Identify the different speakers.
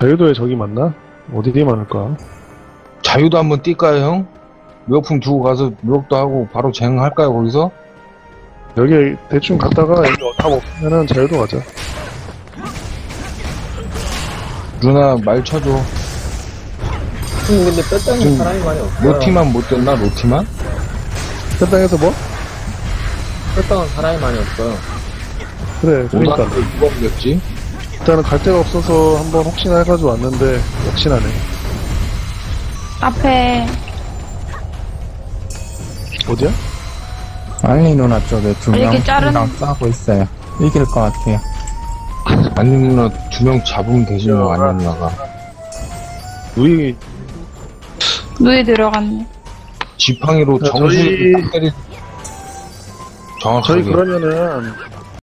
Speaker 1: 자유도에 저기 맞나? 어디 뒤에 많을까?
Speaker 2: 자유도 한번 뛸까요, 형? 묘품 두고 가서 묘역도 하고 바로 쟁할까요, 거기서?
Speaker 1: 여기 대충 갔다가 여기 답 없으면은 자유도 가자.
Speaker 2: 누나 말 쳐줘.
Speaker 3: 근데 뼈땅에
Speaker 2: 지금
Speaker 3: 사람이 많이 없어요.
Speaker 2: 로티만 못 떴나, 로티만?
Speaker 1: 현장에서 뭐?
Speaker 3: 뼈땅은 사람이 많이 없어요.
Speaker 1: 그래, 그러니까.
Speaker 2: 오다한테 누가 이겼지?
Speaker 1: 일단은 갈 데가 없어서 한번 혹시나 해가지고 왔는데 역시나네.
Speaker 4: 앞에
Speaker 1: 어디야?
Speaker 5: 알리 누나 쪽에 두
Speaker 4: 이렇게
Speaker 5: 명이랑
Speaker 4: 자른-
Speaker 5: 싸우고 있어요. 이길 것 같아요.
Speaker 2: 아니 누나 두 명 잡으면 되지요, 아니 누나가.
Speaker 1: 누이,
Speaker 4: 누에 들어갔네.
Speaker 2: 지팡이로
Speaker 1: 자,
Speaker 2: 정수를
Speaker 1: 저희-
Speaker 2: 딱 때리. 정확하게.
Speaker 1: 저희 그러면은